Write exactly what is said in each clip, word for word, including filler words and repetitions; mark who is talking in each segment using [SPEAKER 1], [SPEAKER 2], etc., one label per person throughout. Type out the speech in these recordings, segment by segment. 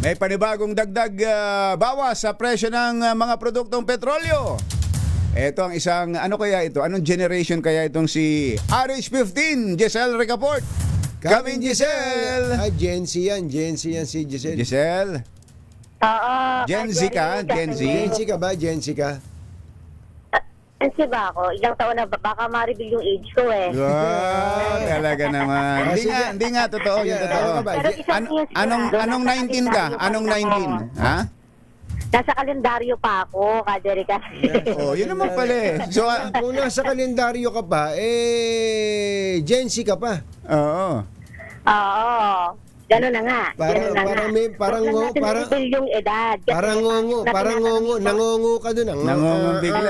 [SPEAKER 1] May panibagong dagdag uh, bawas sa presyo ng uh, mga produktong petrolyo. Ito ang isang, ano kaya ito? Anong generation kaya itong si R H fifteen, Giselle Ricaport? Coming, Giselle!
[SPEAKER 2] Ay, Gen Z yan. Gen Z yan si Giselle.
[SPEAKER 1] Giselle?
[SPEAKER 3] Oo.
[SPEAKER 1] Gen Z ka? Gen Z?
[SPEAKER 2] Gen Z ka ba? Gen Z ka?
[SPEAKER 3] Gen Z ba ako? Ilang taon na ba? Baka ma-reveal yung age ko eh.
[SPEAKER 1] Wow, talaga naman. Hindi nga, hindi nga totoo, yung totoo.
[SPEAKER 2] Ano ka ba?
[SPEAKER 3] Pero isang
[SPEAKER 1] An-
[SPEAKER 3] years na,
[SPEAKER 1] anong
[SPEAKER 3] doon
[SPEAKER 1] anong
[SPEAKER 3] nasa
[SPEAKER 1] nineteen ka?
[SPEAKER 3] kalendaryo pa
[SPEAKER 1] Anong
[SPEAKER 3] ako.
[SPEAKER 1] nineteen? Ha?
[SPEAKER 3] Nasa kalendaryo pa ako, Kaderica.
[SPEAKER 1] Oh, yun naman pala eh. So, ah,
[SPEAKER 2] Kung nasa kalendaryo ka pa, eh, Gen Z ka pa.
[SPEAKER 1] oo.
[SPEAKER 3] Oo. Gano'n na nga.
[SPEAKER 2] Parang-
[SPEAKER 3] Ganun na
[SPEAKER 2] parang
[SPEAKER 3] nga.
[SPEAKER 2] may- parang
[SPEAKER 3] Huwag lang
[SPEAKER 2] ngo-
[SPEAKER 3] natin
[SPEAKER 2] parang-
[SPEAKER 3] i-reveal yung edad. Kasi
[SPEAKER 2] Parang ngongo,
[SPEAKER 3] natin
[SPEAKER 2] parang
[SPEAKER 3] natanong
[SPEAKER 2] ngongo,
[SPEAKER 3] ito.
[SPEAKER 2] nangongo ka dun. Ang,
[SPEAKER 1] Nangongo bigla.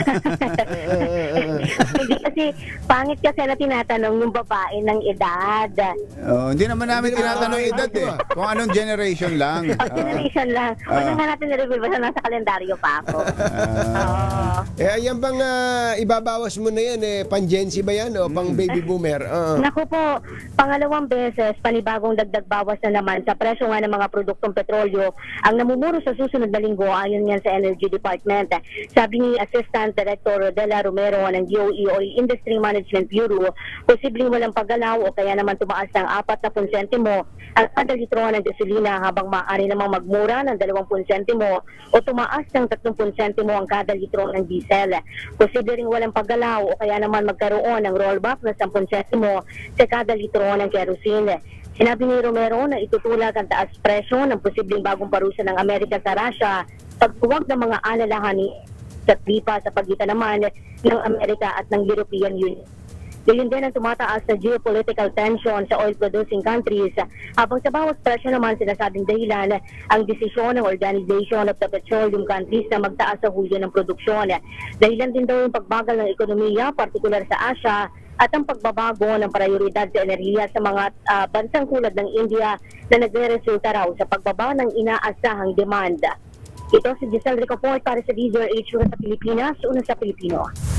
[SPEAKER 3] Hindi kasi, pangit kasi na tinatanong yung babae ng edad.
[SPEAKER 1] Oh, hindi naman namin
[SPEAKER 2] Hindi naman
[SPEAKER 1] tinatanong
[SPEAKER 2] namin
[SPEAKER 1] edad eh.
[SPEAKER 2] ginagawa.
[SPEAKER 1] Kung anong generation lang.
[SPEAKER 3] O, generation lang. Huwag
[SPEAKER 1] Ah.
[SPEAKER 3] na nga natin i-reveal basta nasa kalendaryo pa ako.
[SPEAKER 1] Ah.
[SPEAKER 3] Oo.
[SPEAKER 2] Eh, ayan bang ah, ibabawas mo na yan, eh, pang Gen Z ba yan o pang baby boomer? Oo.
[SPEAKER 3] Naku po, pangalawang beses, panibagong dagdag bawas na naman sa presyo nga ng mga produktong petrolyo ang namumuro sa susunod na linggo ayon yan sa Energy Department. Sabi ni Assistant Director Rodela Romero ng D O E o Industry Management Bureau, posibleng walang paggalaw o kaya naman tumaas ng apat na pun sentimo ang kada litro ng gasolina habang maaari namang magmura ng dalawang pun sentimo o tumaas ng tatlong pun sentimo ang kada litro ng diesel. Posible ring walang paggalaw o kaya naman magkaroon ng rollback na ten sentimo sa kada litro ng kerosene. Sinabi ni Romero na itutulag ang taas presyo ng posibleng bagong parusa ng Amerika sa Russia, pagbuwag ng mga alalahanin sa tripa sa pagitan naman ng Amerika at ng European Union. Gayon din ang tumataas na geopolitical tension sa oil-producing countries, habang sa bawat presyo naman sinasabing dahilan ang desisyon ng Organization of the Petroleum Countries na magtaas sa hulyo ng produksyon. Dahilan din daw yung pagbagal ng ekonomiya, partikular sa Asia, at ang pagbabago ng prioridad sa enerhiya sa mga uh, bansang tulad ng India na nagre-resulta raw sa pagbaba ng inaasahang demand. Ito si Giselle Ricaport para sa Visual H sa Pilipinas, una sa Pilipino.